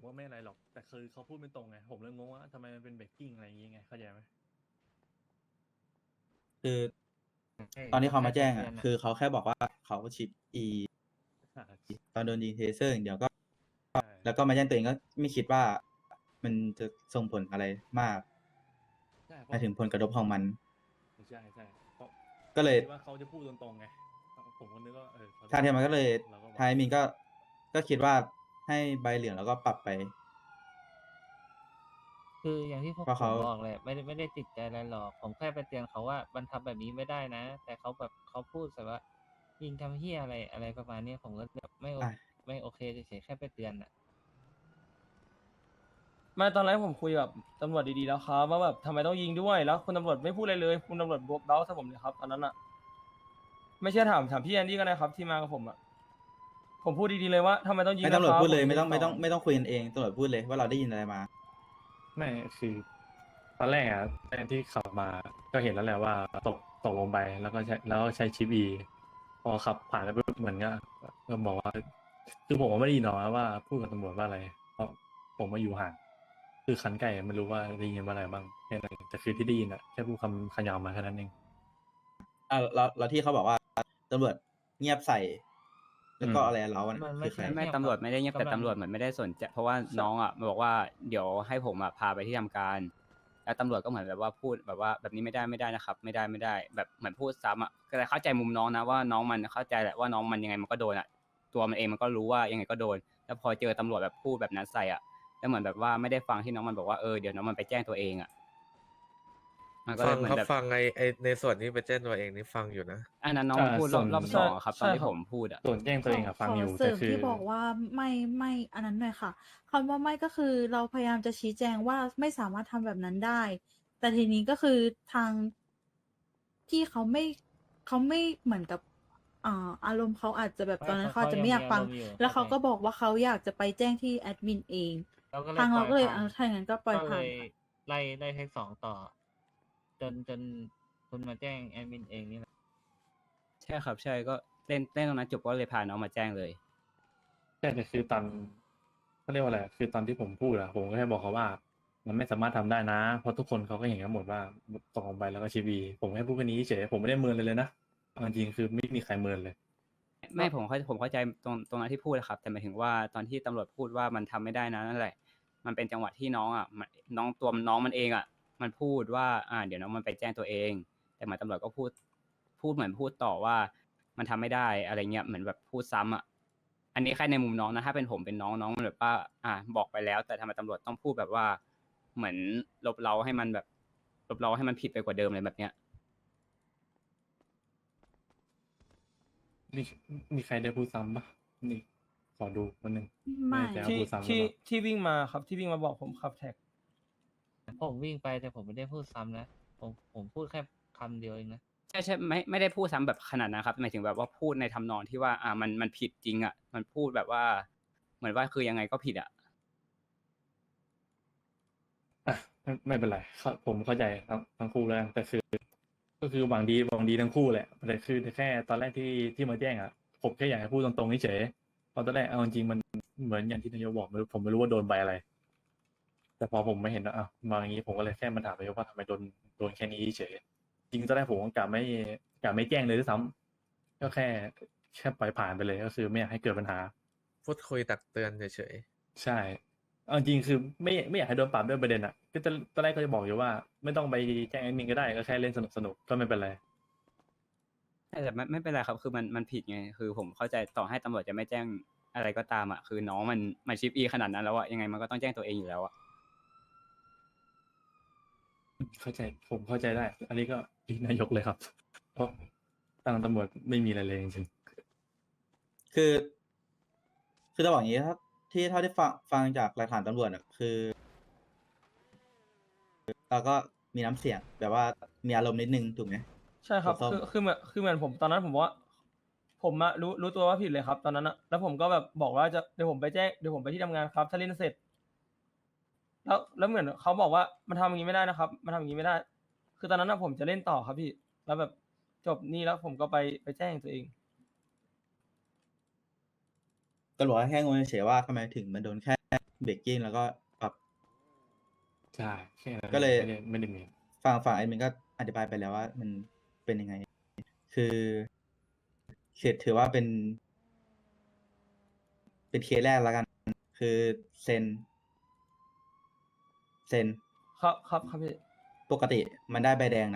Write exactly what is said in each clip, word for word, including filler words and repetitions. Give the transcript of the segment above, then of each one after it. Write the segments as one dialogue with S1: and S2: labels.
S1: ว่าไม่อะไรหรอกแต่คือเขาพูดไม่ตรงไงผมเลยงงว่าทำไมมันเป็นเบรกกิ้งอะไรอย่างเงี้ยไงเข้าใจไหม
S2: คือ
S3: ใช่
S2: ตอนที่เขามาแจ้ง
S3: แค่
S2: อ่ะ
S3: เตือนอะ
S2: คือเขาแค่บอกว่าเขาชิปอี
S1: อ่า
S2: ตอนโดนยิงเทเซอร์อย่างเดียวก็
S1: ใช่
S2: แล้วก็มาแจ้งตัวเองก็ไม่คิดว่ามันจะส่งผลอะไรมาก
S1: ใช่เพ
S2: หมาย
S1: ราะ
S2: ถึงผลกระทบของมัน
S1: ใช่ใช่เพราะ
S2: ก็เลย
S1: คิดว่าเขาจะพูดตรงๆไงผมก็นึกว่าเออเขจะ
S2: ทางเทียมมันก็เลย
S1: ราก็บอก
S2: ทางแอดมินก็ก็คิดว่าให้ใบเหลืองแล้วก็ปรับไป
S3: คืออย่างที่พวก
S2: เพราะ
S3: ผ
S2: เขา
S3: มบอกแหละไม่ได้ไม่ได้ติดใจอะไรหรอกผมแค่ไปเตือนเขาว่ามันทำแบบนี้ไม่ได้นะ แต่เขาแบบเขาพูดแต่ว่ายิงทำเฮียอะไรอะไรประมาณนี้ผมก็แบบไม่โอ
S2: อ่ะ
S3: ไม่โอเคเฉยๆแค่ไปเตือนอ่ะ
S4: ไม่ตอนแรกผมคุยกับตำรวจดีๆแล้วครับว่าแบบทำไมต้องยิงด้วยแล้วคุณตำรวจไม่พูดอะไรเลยคุณตำรวจบวกเบ้าใส่ผมเลยครับตอนนั้นอะไม่เชื่อถามถามพี่แอนดี้ก็ได้ครับที่มากับผมอะผมพูดดีๆเลยว่าทำไมต้องยิง
S2: ไม่
S4: นะ
S2: ตำรวจ
S4: ครับ
S2: พูดเลย
S4: ผ
S2: ไม่ต้อง
S4: ส
S2: ไม่ต้องไม่ต้องคุยกันเองตำรวจพูดเลยว่าเราได้ยินอะไรมา
S1: ไม่คือตอนแรกอ่ะแทนที่ขับมาก็เห็นแล้วแหละว่าตกตกลงไปแล้วก็ใช้แล้วก็ใช้ชิปอีพอขับผ่านไปปุ๊บเหมือนก็ก็บอกว่าคือผมก็ไม่ได้ยินหรอกนะว่าพูดกับตำรวจว่าอะไรเพราะผมมาอยู่ห่างคือคันไก่ไม่รู้ว่าได้ยินว่าอะไรบ้างแค่นั้นเองแต่คือที่ได้ยินอ่ะแค่พูดคำขยาวมาแค่นั้นเอง
S2: อ่ะแล้วแล้วที่เขาบอกว่าตำรวจเงียบใส่ แล้วก็
S1: อืม
S2: อะไรเราอะ
S3: มันไม่
S2: คือใคร
S3: ใช่
S5: ไม่
S3: เงียบ
S5: ตำรวจ
S3: ครับ
S5: ไม่ได้เงียบแต่
S3: กำลัง
S5: ตำรวจเหมือนไม่ได้สนใจเพราะว่าน้องอ่ะมาบอกว่าเดี๋ยวให้ผมอ่ะพาไปที่ทำการ แล้วตำรวจก็เหมือนแบบว่าพูดแบบว่าแบบนี้ไม่ได้ไม่ได้นะครับ ไม่ได้ไม่ได้ แบบเหมือนพูดซ้ำอ่ะแต่เข้าใจมุมน้องนะว่าน้องมันเข้าใจแหละว่าน้องมันยังไงมันก็โดนอ่ะตัวมันเองมันก็รู้ว่ายังไงก็โดน แล้วพอเจอตำรวจแบบพูดแบบนั้นใส่อ่ะแล้วเหมือนแบบว่าไม่ได้ฟังที่น้องมันบอกว่าเออเดี๋ยวน้องมันไปแจ้งตัวเองอ่ะมันก็เล
S6: ฟั
S5: ย
S6: ง
S5: เหมือ
S6: ครับ
S5: นแบบ
S6: ฟังไอไอในส่วนที่ไปแจ้งตัวเองนี่ฟังอยู่นะ
S5: อันนั้นน้องมันพูดรอบรอบสองอะครับตอนที่ผมพูดอ่ะ
S1: ส่วนแจ้งตัวเองอะฟังอยู่
S7: ขเสริ
S1: แต่
S7: ม
S1: คือ
S7: ที่บอกว่าไม่ไม่อันนั้นหน่อยค่ะคำว่าไม่ก็คือเราพยายามจะชี้แจงว่าไม่สามารถทำแบบนั้นได้ แต่ทีนี้ก็คือทางที่เขาไม่เขาไม่เหมือนกับอ่าอารมณ์เขาอาจจะแบบ
S3: ไม่
S7: ตอนนั้น
S3: เขา
S7: เขาอาจจะไม่อยาก
S3: เขา
S7: ฟัง
S3: ยังมีอารมณ์อยู่
S7: แล้วเขา
S3: เข้าใจ
S7: ก็บอกว่าเขาอยากจะไปแจ้งที่แอดมินเอง
S3: เราก็เลย
S7: ทางเราก็เลย
S3: ปล่อยผ่าน
S7: เอาถ้าอย่างนั้นก็ปล่อย
S3: ก็
S7: ผ่า
S3: เล
S7: น
S3: ยไล่ไล่เทคสองต่อ จนจนคุณมาแจ้งแอดมินเองนี่แหละ
S5: ใช่ครับใช่ก็เล่นเล่นตรงนั้นจบก็เลยพาน้องมาแจ้งเลย
S1: ใช่แต่คือตอนเขาเรียกว่าอะไรคือตอนที่ผมพูดอะผมก็แค่บอกเขาว่า มันไม่สามารถทำได้นะ เพราะทุกคนเขาก็เห็นกันหมดว่าตกลงไปแล้วก็ชีวีผมแค่พูดแค่นี้เฉยผมไม่ได้เมินเลยเลยนะเอาจริงๆคือไม่มีใครเมินเลย
S5: ไม่ผมเข้าผมเข้าใจตรงตรงนั้นที่พูดนะครับแต่หมายถึงว่าตอนที่ตำรวจพูดว่ามันทำไม่ได้นะนั่นแหละ มันเป็นจังหวะที่น้องอ่ะมันน้องตัวน้องมันเองอ่ะ มันพูดว่าอ่าเดี๋ยวน้องมันไปแจ้งตัวเอง แต่เหมือนตำรวจก็พูดพูดเหมือนพูดต่อว่ามันทำไม่ได้อะไรเงี้ยเหมือนแบบพูดซ้ำอ่ะอันนี้แค่ในมุมน้องนะถ้าเป็นผมเป็นน้องน้องมันแบบว่าอ่าบอกไปแล้ว แต่ทำไมตำรวจต้องพูดแบบว่า เหมือนลบเราให้มันแบบลบเราให้มันผิดไปกว่าเดิมเลยแบบเนี้ย
S1: นี่มีใครได้พูดซ้ำปะนี่ขอดูคนหนึ่ง
S7: ไม่
S1: แน่ใจว่า
S4: ที่
S1: พูดซ้ำหรือ
S4: ที่
S1: เปล่า
S4: ที่วิ่งมาครับที่วิ่งมาบอกผมขับแท็ก
S3: ผมวิ่งไปแต่ผมไม่ได้พูดซ้ำนะผมผมพูดแค่คำเดียวเองนะ
S5: ใช่ใช่ไม่ไม่ได้พูดซ้ำแบบขนาดนั้นครับหมายถึงแบบว่าพูดในทำนองที่ว่าอ่ามันมันผิดจริงอ่ะมันพูดแบบว่า เหมือนว่าคือยังไงก็ผิดอ่ะ
S1: อ่ะไม่ไม่เป็นไรเข้าผมเข้าใจทั้งทั้งคู่แล้วกันแต่คือ ก็คือหวังดีหวังดีทั้งคู่แหละแต่คือแค่ตอนแรกที่ที่มาแจ้งอ่ะผมแค่อยากให้พูดตรงๆเฉยๆเพราะตอนแรกเอาจริงๆมันเหมือนอย่างที่นายกบอกไม่รู้ผมไม่รู้ว่าโดนใบอะไร แต่พอผมไม่เห็นว่าอ่ะมาอย่างนี้ผมก็เลยแค่มาถามนายกว่าทำไมโดนโดนแค่นี้เฉยจริงตอนแรกผมก็กะไม่กะไม่แจ้งเลยด้วยซ้ำก็แค่แค่ปล่อยผ่านไปเลยก็คือไม่อยากให้เกิดปัญหา
S6: พูดคุยตักเตือนเฉย
S1: ใช่เอาจริงคือไม่ไม่อยากให้โดนปรับด้วยประเด็นอ่ะก็จะตอนแรกก็จะบอกอยู่ว่า ไม่ต้องไปแจ้งแอดมินก็ได้ก็แค่เล่นสนุกสนุกก็ไม่เป็นไร
S5: แต่ไม่ไม่เป็นไรครับคือมันมันผิดไงคือผมเข้าใจต่อให้ตำรวจจะไม่แจ้งอะไรก็ตามอ่ะคือน้องมันมันชิปอีขนาดนั้นแล้วอ่ะยังไงมันก็ต้องแจ้งตัวเองอยู่แล้วอ่ะ
S1: เข้าใจผมเข้าใจได้ อันนี้ก็อีกนายกเลยครับ เพราะทางตำรวจไม่มีอะไรเลยจริง
S2: คือ คือจะบอกอย่างนี้ถ้าที่เท่าที่ฟังฟังจากหลักฐานตำรวจอ่ะคือเราก็มีน้ำเสียงแบบว่ามีอารมณ์นิดนึงถูกไหม
S4: ใช่ครับ
S2: ส้ม
S4: คือคือเหมือนคือเหมือนผมตอนนั้นผมบอกว่า ผมอะรู้รู้ตัวว่าผิดเลยครับ ตอนนั้นอะแล้วผมก็แบบบอกว่าจะเดี๋ยวผมไปแจ้งเดี๋ยวผมไปที่ทำงานครับถ้าเล่นเสร็จ แล้วแล้วเหมือนเขาบอกว่ามันทำอย่างนี้ไม่ได้นะครับมันทำอย่างนี้ไม่ได้ คือตอนนั้นอะผมจะเล่นต่อครับพี่ แล้วแบบจบนี่แล้วผมก็ไปไปแจ้งตัวเอง
S2: ก็บอกว่าแค่งงเฉยๆว่าทำไมถึงมันโดนแค่เบรกกิ้งแล้วก็ปรับ
S1: ใช่แค่นั้น
S2: ก็เลย
S1: ไม่ได้ไม่ได้มี
S2: ฝั่งฝั่งแอดมินก็อธิบายไปแล้วว่ามันเป็นยังไง คือเขตถือว่าเป็น เป็นเคสแรกแล้วกัน คือเซน เซน
S4: ครับครับครับพี่
S2: ปกติมันได้ใบแดงนะ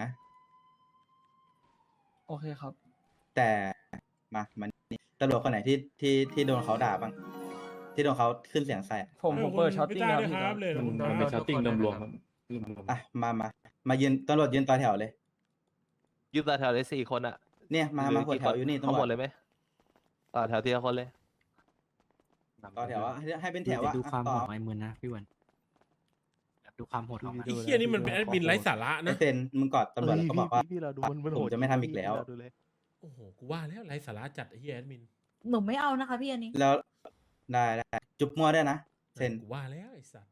S4: โอเคครับ
S2: แต่มามันตำรวจคนไหนที่ที่ที่โดนเขาด่าบ้าง ที่โดนเขาขึ้นเสียงใส่อะ
S4: ผมผมเปิดช็อตติ้งแล้วพี่
S8: ครับเลย
S1: มัน
S3: โดน
S1: มันเป็น
S3: โดน
S1: ชาร์ติ้ง
S3: ทุกคน
S1: รวม
S3: นะ
S1: ๆ
S3: ค
S1: ค
S3: รั
S1: รับ บรวมๆ
S2: อ่ะมามามายืนตำรวจยืนต่อแถวเลย
S9: ยืนต่อแถวเลยสี่คนอะ
S2: เนี่ยมา
S9: หรื
S2: มาหัว
S9: กี่
S2: แถวอยู่นี่
S9: ทั้งหม
S2: ตำรว
S9: ด
S2: จ
S9: เลยไหมต่อแถวทีละคนเลย
S2: ต่อแถวว่าให้ให้เป็นแถว
S10: แต่
S2: ว่า
S10: ดู
S2: อ่ะ
S10: ความ
S2: ต่
S10: โห
S2: อ
S10: ดของไอ้มือนะพี่วันแบบดูความโหดของมัน
S8: ไอ้เฮียนี่มันเป็นแอดมินไร้สาระ
S2: ไอ
S8: นะ
S2: เซนมึงกอดตำรวจแล้วก็บอกว่า
S9: พี่เราดูมันมัน
S2: ผ
S9: โห
S2: ม
S9: ด
S2: จะไม่ทำอีกแล้ว
S9: ดูเลย
S8: โอ้โห กูว่าแล้วไร้สาระจัดไอ้เฮียแอดมิน
S7: หนูไม่เอานะคะพี่อันนี้
S2: แล้วได้ได้จุบมั่วได้วยนะ เซน
S8: กูว่าแล้วไอ้สัส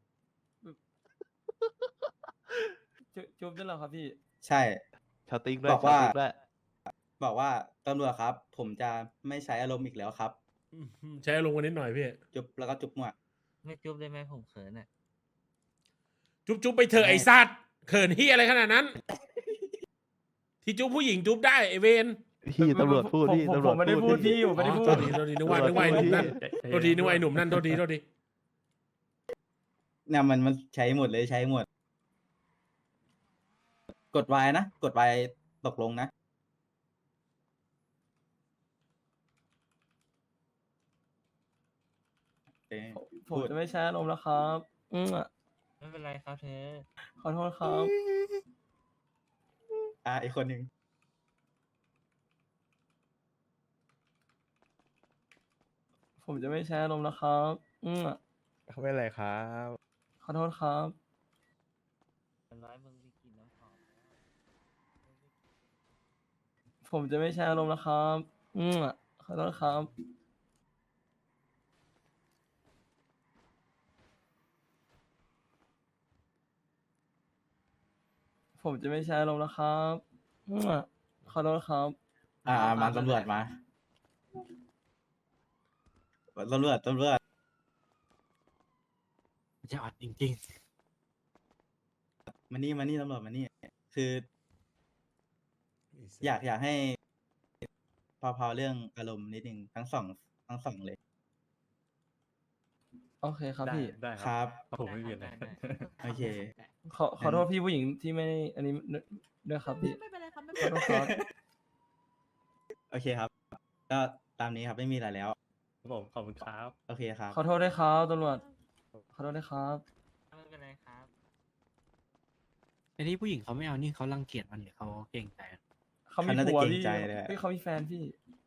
S4: จุจุ๊บด้วยเหรอครับพี่
S2: ใช่
S9: ชาวติ้งด้วย
S2: บอกว่า
S9: ชติ้งด้วย
S2: บอกว่าตำรวจครับ ผมจะไม่ใช้อารมณ์อีกแล้วครับ
S8: อืมใช้อารมณ์กันนิดหน่อยพี่
S2: จุบแล้วก็จุบมั่ว
S3: ไม่จุ๊บได้ไหมผมเขินอ่ะ
S8: จุ๊บจุ๊บไปเถอะไอ้สัตว์เขินเฮียอะไรขนาดนั้น ที่จุ๊บผู้หญิงจุ๊บได้ไอ้เวน
S9: พี่ตำรวจพูด
S4: ผม
S9: พี่
S4: ผม
S9: ตำรวจ
S4: ผมไม่ได้พูดพี่ผมไม่ได้พู
S8: โท
S4: ด
S8: ษทีโทษทีนึกว่านึกว่าไอ้หนุ่มนั่นโทษทีนึกว่าไอ้หนุ่มนั่นโทษทีโทษที
S2: เนี่ยมันมันใช้หมดเลยใช้หมด กดไว้นะ กดไว้ตกลงนะ โอเค
S4: ผมจะไม่ใช้อารมณ์แล้วครับ อืมอะ
S3: ไม่เป็นไรครับเธอ
S4: ขอโทษครับ
S2: อ่ะอีกคนหนึ่ง
S4: ผมจะไม่ใช้อารมณ์แล้วครับ อืมอะ
S6: ไม่เป็นไรครับ
S4: ขอโทษครับ
S3: เป็นร้อยมึงไปกินน้ำหอม
S4: ผมจะไม่ใช้อารมณ์แล้วครับ อืมอะขอโทษครับ ผมจะไม่ใช้อารมณ์แล้วครับ อืมอะขอโทษครับ
S2: อ่าอ่ามาตำรวจมาตำรวจตำรวจ
S10: จะอัดจริง
S2: มานี่มานี่ตำรวจมานี่ คือ อยากอยากให้พอพอเรื่องอารมณ์นิดนึงทั้งสองทั้งสองเลย
S4: โอเคครับ
S1: ได้
S4: พี่
S1: ได้
S2: ค
S1: ค
S2: รั
S1: รับ บผมไม่มีอะไร
S2: โอเค
S4: ขอขอโทษพี่ผู้หญิงที่ไม่อันนี้ด้วยครับพี่
S7: ไม่เป็นไรครับไม่
S4: ขอ
S7: เป็น
S4: โท
S7: ไร
S4: ษครับ
S2: โอเคครับ ก็ตามนี้ครับไม่มีอะไรแล้ว
S1: ครับผมขอบคุณครับ
S2: โอเคครับ
S4: ขอโทษด้วยครับตำรวจ ขอโทษด้วยครับ
S3: ไม่เป็นไรครับ
S10: ๆแต่ที่ผู้หญิงเขาไม่เอานี่เขารังเกียจมันหรือเขาเก่งใจมัน
S4: เขามี
S2: เขาน่าจะ
S4: ผัว
S2: เกรง
S4: พี่
S2: ใจเลยอะ
S4: เฮ้ยเขามีแฟนพี่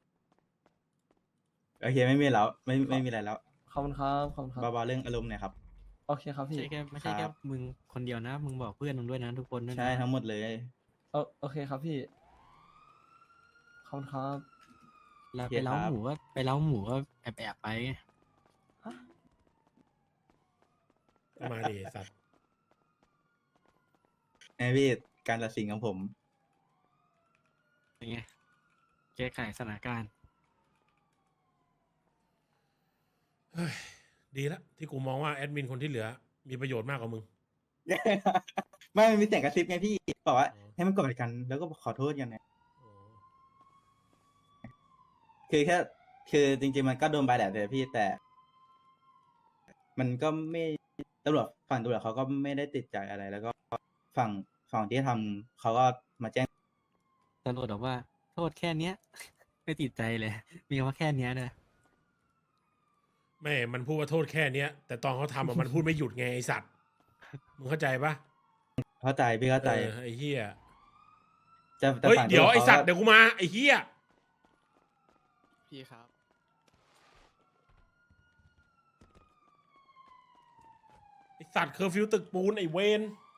S2: โอเคไม่มีแล้ว ไม่ไม่มีอะไรแล้ว
S4: ขอบคุณครับขอบคุณครับ
S2: เบาๆเรื่องอารมณ์หน่อยครับ
S4: โอเคครับ
S10: ไม่
S4: พี่
S10: ใช่แค่ไม่ใช่
S2: ค
S10: แค่
S2: รับ
S10: มึงคนเดียวนะ มึงบอกเพื่อนมึงด้วยนะทุกคนด้วยนะ
S2: ใช่ทั้งหมดเลย
S4: โอโอเคครับพี่ ขอบคุณครับ
S10: แล้ว
S2: โอเค
S10: ไปเล้า
S2: ครับ
S10: หมูก็ไปเล้าหมูก็แอบแอบๆไป
S8: มาดิไอ้สัตว์
S2: ไอพี่การตัดสินของผม
S10: อย่างเงี้ยแก้ไขสถานการณ์
S8: เฮ้ยดีละที่กูมองว่าแอดมินคนที่เหลือ มีประโยชน์มากกว่ามึง
S2: ไม่มันมีเสียงกระซิบไงพี่บอกว่า
S8: อ๋อ
S2: ให้มันกอดกัน แล้วก็ขอโทษกันนะ
S8: อ๋อ
S2: คือแค่คือจริง ๆ มันก็โดนใบแหละแต่พี่แต่ มันก็ไม่ตำรวจฝั่งตำรวจเขาก็ไม่ได้ติดใจอะไร แล้วก็ฝั่งฝั่งที่ทำเขาก็มาแจ้ง
S10: ตำรวจบอกว่า โทษแค่เนี้ย ไม่ติดใจเลย มีคำว่าแค่เนี้ยด้วย
S8: ไม่ มันพูดว่าโทษแค่เนี้ย แต่ตอนเขาทำอะ มันพูดไม่หยุดไงไอสัตว์ มึงเข้าใจปะ
S2: เข้าใจพี่เข้าใจ
S8: เออไอ้เหี้ย
S2: จะแต่
S8: เฮ้ย
S2: ฝั่ง
S8: เดี๋ยว
S2: ตำรจ
S8: ไอสัตว์
S2: ขาก็
S8: เดี๋ยวกูมาไอ้เหี้ย
S10: พี่ครับ
S8: ไอสัตว์เคอร์ฟิวตึกปูนไอเวน